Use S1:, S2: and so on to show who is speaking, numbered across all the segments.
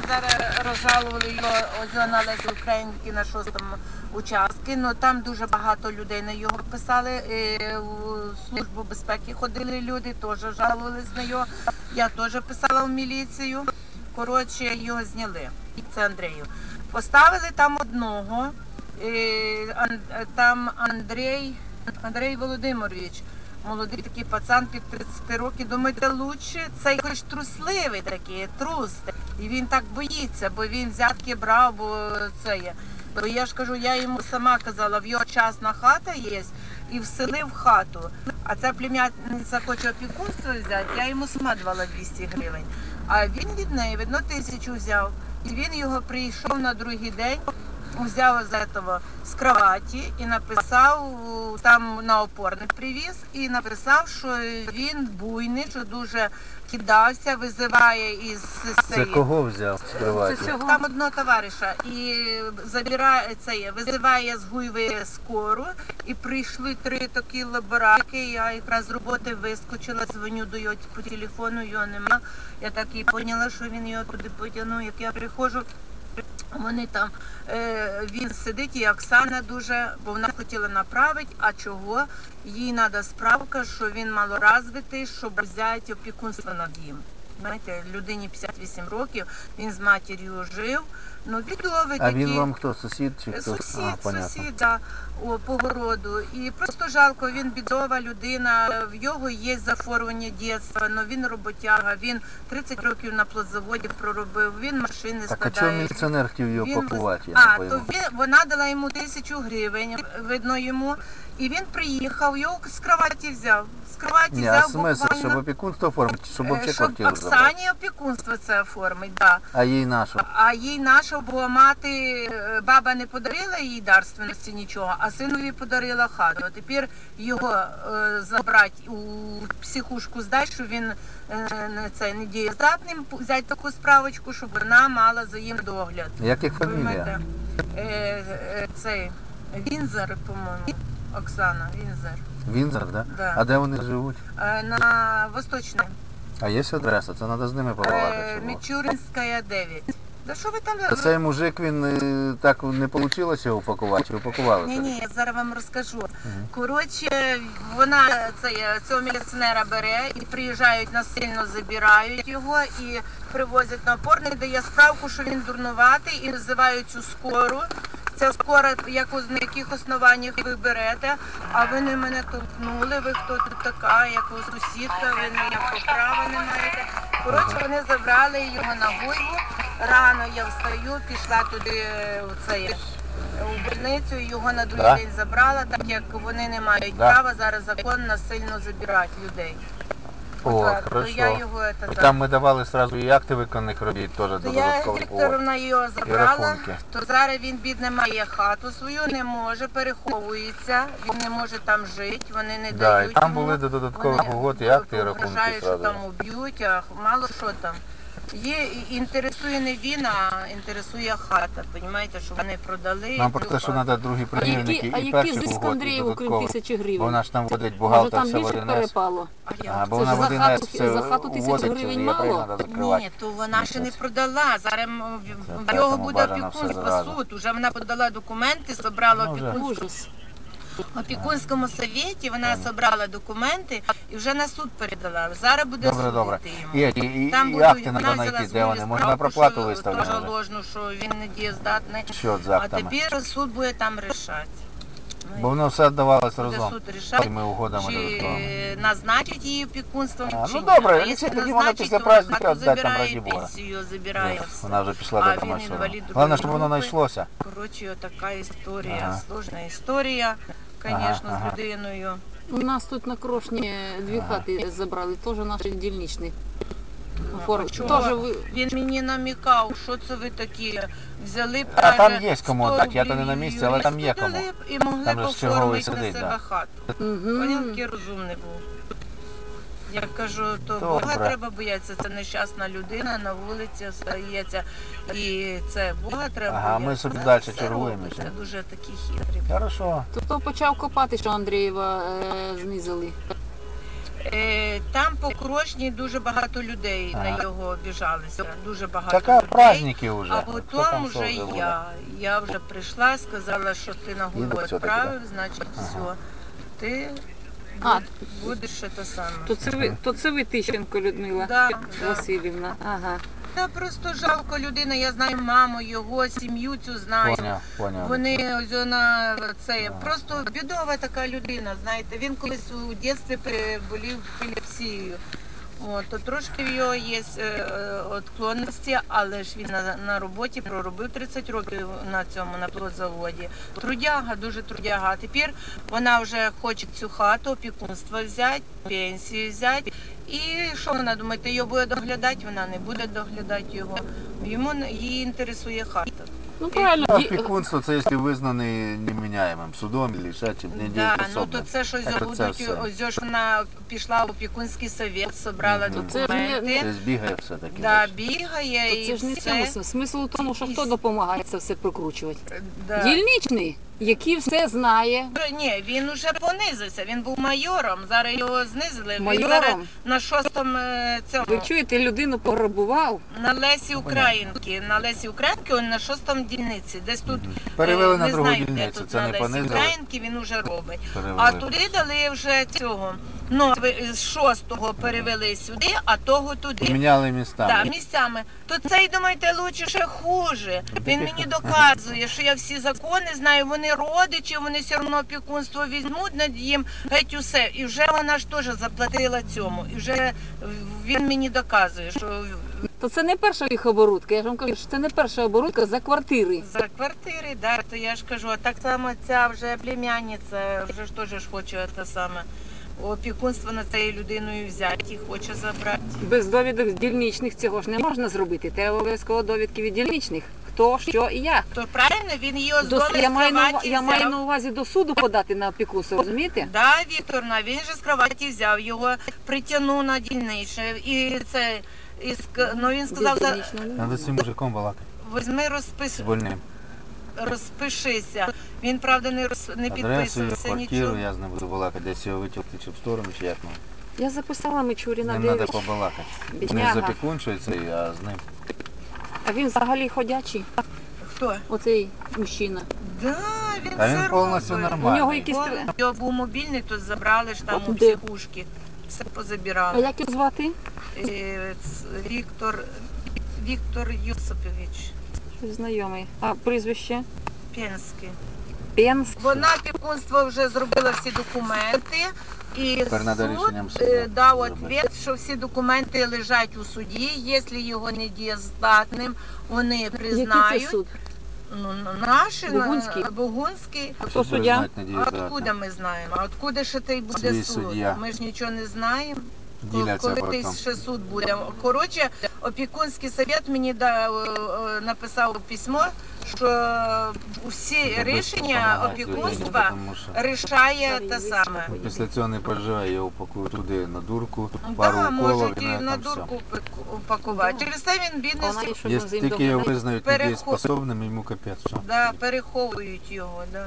S1: зараз розжалували його ось на Лесі Українки на 6-му участку. Ну там дуже багато людей на його писали. У Службу безпеки ходили люди, теж жалувались на його. Я теж писала в міліцію. Коротше, його зняли. Це Андрію. Поставили там одного, там Андрій Володимирович. Молодий такий пацан під 30 років, думаєте, лучше? Цей хоч трусливий такий, трус. І він так боїться, бо він взятки брав, бо це є. Бо я ж кажу, я йому сама казала, в його частна хата є, і вселив хату. А ця племянниця хоче опікунство взяти, я йому сама давала 200 гривень. А він від неї, видно, 1000 взяв. І він його прийшов на другий день, взяв з кроваті і написав, там на опорник привіз, і написав, що він буйний, що дуже кидався, визиває із...
S2: Це кого взяв з кроваті?
S1: Там одного товариша. І визиває з Гуйви скору, і прийшли 3 такі лабораки, я якраз з роботи вискочила, дзвоню до його по телефону, його нема. Я так і поняла, що він його туди потягнув, як я приходжу. Вони там, він сидить, і Оксана дуже, бо вона хотіла направити, а чого? Їй треба справка, що він малоразвитий, щоб взяти опікунство над ним. Знаєте, людині 58 років, він з матір'ю жив, ну бідовий такий.
S2: А він вам хто, сусід чи хто?
S1: Сусід, да, по городу. І просто жалко, він бідова людина, в його є заформлення дитинства, але він роботяга, він 30 років на плодзаводі проробив, він машини складає.
S2: Так а чому міліціонер хотів його пакувати?
S1: Вона дала йому 1000 гривень, видно йому, і він приїхав, його з кроваті взяв.
S2: Ні, а смисл, щоб опікунство оформити, щоб взагалі квартиру забрати?
S1: Щоб Оксані опікунство це оформить, так.
S2: А їй нашу?
S1: А їй нашу, бо мати, баба не подарила їй дарственності нічого, а синові подарила хату. А тепер його забрати у психушку здати, що він не дієздатним, взяти таку справочку, щоб вона мала за їм догляд.
S2: Як їх фамілія?
S1: Вінзер, по-моєму. Оксана, Вінзер.
S2: Вінзер, так?
S1: Да.
S2: А де вони живуть?
S1: На Восточній.
S2: А є адреса? Це треба з ними побалакати.
S1: Мічуринська, 9. Да що ви там...
S2: Цей мужик, він так не вийшло його упакувати? Чи упакували?
S1: Ні, я зараз вам розкажу. Коротше, вона цього міліціонера бере і приїжджають насильно, забирають його і привозять на опорний, дає справку, що він дурнуватий, і називають цю скору. Ця скора, на яких основаннях ви берете, а ви не мене толкнули, ви хто тут така, як ви сусідка, ви ніякого права не маєте. Коротше, вони забрали його на Гуйву, рано я встаю, пішла туди у больницю, і його на другий день забрала, так як вони не мають права зараз закон насильно забирати людей.
S2: О, хорошо. Там ми давали одразу і акти виконаних робіт, теж додатково.
S1: Вікторовна його забрала, то зараз він, бідний, має хату свою, не може, переховується, він не може там жити, вони не дають йому.
S2: Так, і там були додаткові угод і акти, і рахунки
S1: одразу. Що
S2: одразу.
S1: там уб'ють, а мало що там. Інтересує не він, а інтересує хата, розумієте, що вони продали.
S2: Нам про те, що треба другі примірники і перших
S3: зиск
S2: угод, і
S3: Андрієву, крім
S2: додатково.
S3: 1000 гривень?
S2: Бо вона ж там водить бухгалтер, все в
S3: Може там більше
S2: 1С.
S3: перепало?
S2: Бо
S3: Це
S2: вона
S3: ж
S2: в 1С все
S3: за хату 1000
S2: уводить,
S3: гривень
S2: євреї
S3: мало?
S2: треба закривати.
S1: Ні, то вона ще не продала. Зараз в його
S2: тому
S1: буде
S2: бажано все
S1: опікунство,
S2: зразу.
S1: суд. Уже вона подала документи, зібрала опікунство.
S3: Ужас.
S1: В опікунському совєті вона зібрала документи і вже на суд передала. Зараз буде
S2: Добре.
S1: судити йому.
S2: І
S1: Там
S2: акти
S1: вона
S2: треба
S1: взяла
S2: знайти,
S1: з
S2: де вони.
S1: Гулі
S2: Можна
S1: справку,
S2: проплату
S1: що
S2: виставляти.
S1: теж ложну, що він не дієздатний.
S2: Що з
S1: А
S2: актами?
S1: тепер суд буде там рішати.
S2: Бо воно все віддавалось
S1: Буде
S2: разом.
S1: суд рішати,
S2: Цими угодами додатковими.
S1: чи назначить її опікунством, чи
S2: ну
S1: ні.
S2: добре,
S1: А
S2: якщо
S1: якщо
S2: тоді вона
S1: назначить,
S2: після
S1: то
S2: праздника
S1: хату
S2: віддать там,
S1: забирає,
S2: раді Бога.
S1: пенсію забирає. все.
S2: Вона вже пішла
S1: А
S2: до
S1: він
S2: машини.
S1: інвалід
S2: Головне,
S1: другої
S2: щоб воно
S1: групи.
S2: знайшлося.
S1: Коротше, така історія, сложна історія, звісно, з людиною.
S3: У нас тут на Крошні 2 хати забрали, теж наші дільничні.
S1: Він мені намікав, що це ви такі взяли б,
S2: А там
S1: каже,
S2: є кому
S1: 100
S2: так, я-то не на
S1: рублів
S2: місці, але там є
S1: дали
S2: кому.
S1: б і могли
S2: Там
S1: б
S2: же ж черговий
S1: оформити на
S2: сидить,
S1: себе
S2: да.
S1: хату. Він такий розумний був. Я кажу, то
S2: Добре.
S1: Бога треба боятися, це нещасна людина, на вулиці остається. І це Бога треба боятися.
S2: Ага, ми собі далі
S1: Все
S2: чергуємо
S1: робиться,
S2: ще.
S1: дуже такі хитрі.
S2: Хорошо.
S3: То почав копати, що Андрієва знизили.
S1: Там по Крошні дуже багато людей
S2: Ага.
S1: на його обіжалися. Дуже багато
S2: Так а
S1: людей.
S2: праздники вже.
S1: А
S2: Хто
S1: потім
S2: там що
S1: вже
S2: буде?
S1: я вже прийшла, сказала, що ти на голову
S2: все-таки,
S1: відправив, значить
S2: Ага.
S1: все. Ти
S3: А,
S1: будеш те саме.
S3: то це ви Тищенко Людмила
S1: Да, да.
S3: Васильівна. Ага.
S1: Та просто жалко людина, я знаю маму, його сім'ю цю знаю.
S2: Поняв.
S1: Вони ось вона це
S2: Ага.
S1: просто бідова така людина. Знаєте, він колись у дитинстві болів епілепсією. От, то трошки в його є відклонності, але ж він на роботі проробив 30 років на цьому на плодзаводі. Трудяга, дуже трудяга. А тепер вона вже хоче цю хату, опікунство взяти, пенсію взяти. І що вона думає, ти його буде доглядати? Вона не буде доглядати його. Її інтересує хата.
S3: Ну правильно,
S2: Опікунство це якщо визнаний неміняємим судом чи ще чим
S1: Да, ну
S2: недієспособним.
S1: то це щось
S2: Це
S1: будуть,
S2: все.
S1: ось ж вона пішла в опікунський совет, собрала
S2: Мгм.
S3: Це ж не-
S1: документи.
S2: Це збігає все-таки.
S1: Да,
S2: бачиш.
S1: бігає
S3: то
S1: і
S3: це ж не в
S1: все.
S3: цьому смисл. Смисл у тому, що хто допомагає це все прокручувати.
S1: Да.
S3: Дільничний, який все знає.
S1: Ні, він уже понизився, він був майором, зараз його знизили. Він
S3: Майором?
S1: зараз на шостому цьому,
S3: Ви чуєте, людину пограбував.
S1: на Лесі Українки. На Лесі Українки він на шостому дільниці. Десь тут
S2: Мгм. Перевели на
S1: не
S2: другу
S1: знаю, де
S2: дільницю,
S1: тут
S2: це
S1: на
S2: не
S1: Лесі
S2: понизили.
S1: Українки він уже робить.
S2: Перевели.
S1: А туди дали вже цього. Ну, з шостого перевели сюди, а того туди.
S2: Поміняли містами.
S1: Так, місцями. То цей, думаєте, лучше ще хуже. Він мені доказує, що я всі закони знаю, вони родичі, вони все одно опікунство візьмуть над їм, геть усе. І вже вона ж теж заплатила цьому. І вже він мені доказує, що
S3: То це не перша їх оборудка. Я ж вам кажу, що це не перша оборудка за квартири.
S1: за квартири, да, то я ж кажу, а так само ця вже племянниця, вже ж теж ж хоче те саме. Опікунство над цією людиною взяти і хоче забрати.
S3: Без довідок з дільничних цього ж не можна зробити. Треба обов'язково довідки від дільничних. Хто, що і як.
S1: То правильно, він її оздолив
S3: Я маю на
S1: кроваті
S3: я маю
S1: взяв.
S3: на увазі до суду подати на опікунство, розумієте?
S1: Да, Вікторна, він же з кроваті взяв його, притягнув на дільничне. І це, ну він сказав,
S3: Де дільничного немає.
S2: Надо з цим мужиком балакати.
S1: візьми
S2: З больним.
S1: розпишися. Він, правда, не
S2: Адресу,
S1: підписувався
S2: квартиру,
S1: нічого.
S2: я з ним буду балакати. Десь його витягти чи в сторону, чи як ну.
S3: Я записала
S2: З
S3: Мичуріна
S2: ним треба
S3: 9.
S2: побалакати. Не
S3: Бідняга.
S2: з опікуншою цей, а з ним.
S3: А він взагалі ходячий,
S1: Хто?
S3: оцей мужчина.
S1: Да, він
S2: Та він
S1: все
S2: повністю
S1: робить.
S2: нормальний.
S3: У нього якісь
S1: Його був мобільний, то забрали ж там
S3: От
S1: у
S3: де?
S1: психушки. Все
S3: А
S1: позабирали.
S3: як його звати?
S1: Віктор Юсупович
S3: Щось знайомий. А прізвище?
S1: Пенський.
S3: Пенс.
S1: Вона опікунство вже зробила всі документи. І
S2: Тепер надо
S1: суд
S2: рішенням суду
S1: дав
S2: зробити.
S1: відповідь, що всі документи лежать у суді. Якщо його не дієздатним, вони
S3: Який це
S1: признають.
S3: суд?
S1: Ну, наші,
S3: Бугунський?
S1: Бугунський.
S3: Хто суддя?
S1: Откуда ми знаємо? А откуда ще той буде
S2: Свій
S1: суд?
S2: суддя.
S1: Ми ж нічого не знаємо.
S2: Діляться
S1: Коли
S2: потім.
S1: той ще суд буде. Коротше, опікунський совет мені написав письмо, що всі рішення опікунства рішає те саме.
S2: Після цього не переживає, його упакують туди на дурку, пару
S1: Да,
S2: уколів
S1: можуть
S2: і
S1: і
S2: на
S1: на
S2: там все.
S1: дурку упакувати. Через це він
S3: Вона
S1: бізнес,
S3: і що
S2: Є
S3: з ним
S2: тільки його
S3: доглядає?
S2: визнають недієспособним, йому капець. Що?
S1: да, переховують його. Да.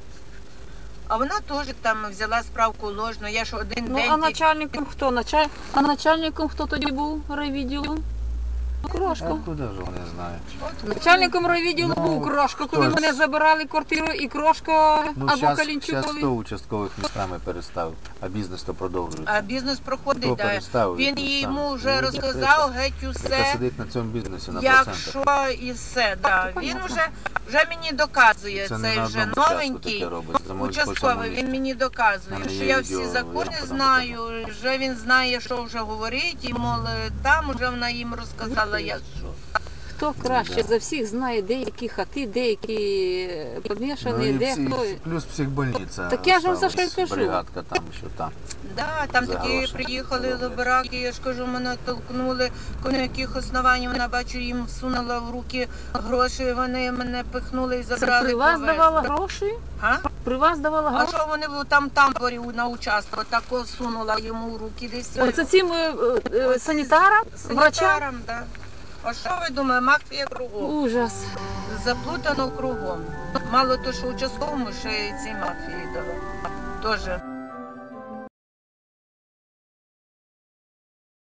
S1: А вона теж там взяла справку ложну. Я ж один
S3: Ну,
S1: день
S3: а начальником хто? А начальником хто тоді був райвідділу? Крошко.
S2: Откуда ж вони знають?
S3: Начальником райвідділу
S2: Ну,
S3: був Крошко, коли
S2: хто ж?
S3: мене забирали квартиру, і Крошко
S2: Ну,
S3: або
S2: зараз
S3: Калінчук.
S2: 100 участкових містами переставив, а бізнес то продовжується.
S1: А бізнес проходить,
S2: Хто
S1: да.
S2: переставив
S1: Він
S2: їх
S1: йому
S2: містами?
S1: вже
S2: Ну,
S1: розказав геть
S2: Яка
S1: усе,
S2: сидить на цьому бізнесі на процентах.
S1: якщо і все. Да. Він вже мені доказує,
S2: Це не
S1: цей
S2: на
S1: вже
S2: одному участку
S1: новенький
S2: таке робить, це може по всьому
S1: участковий,
S2: місту.
S1: він мені доказує,
S2: Мене
S1: що
S2: є
S1: я всі
S2: відео, я
S1: закони
S2: вам потім
S1: знаю, вже він знає, що вже говорить, і мол, там вже вона їм розказала, як що.
S3: Хто краще
S2: Да.
S3: за всіх знає, де які хати, де які помішані,
S2: і
S3: де
S2: всі-
S3: хто.
S2: плюс психбольниця.
S3: Так я ж вам за що й
S2: осталась,
S3: кажу.
S2: бригадка там, що там.
S1: Да, там
S2: За
S1: такі
S2: гроші
S1: приїхали
S2: роблять.
S1: лобраки, я ж кажу, мене толкнули, на яких основаннях вона, бачу, їм всунула в руки гроші, вони мене пихнули і
S3: Це
S1: забрали.
S3: при вас
S1: повезли.
S3: давала гроші?
S1: А?
S3: При вас давала
S1: А
S3: гроші?
S1: що вони там тамборі на участок, тако сунула йому в руки десь.
S3: Оце цим санітарам, врачам?
S1: Санітарам, да. А що ви думаєте, мафія кругом?
S3: Ужас.
S1: Заплутано кругом. Мало то, що участковому ще й цій мафії дало. Тоже.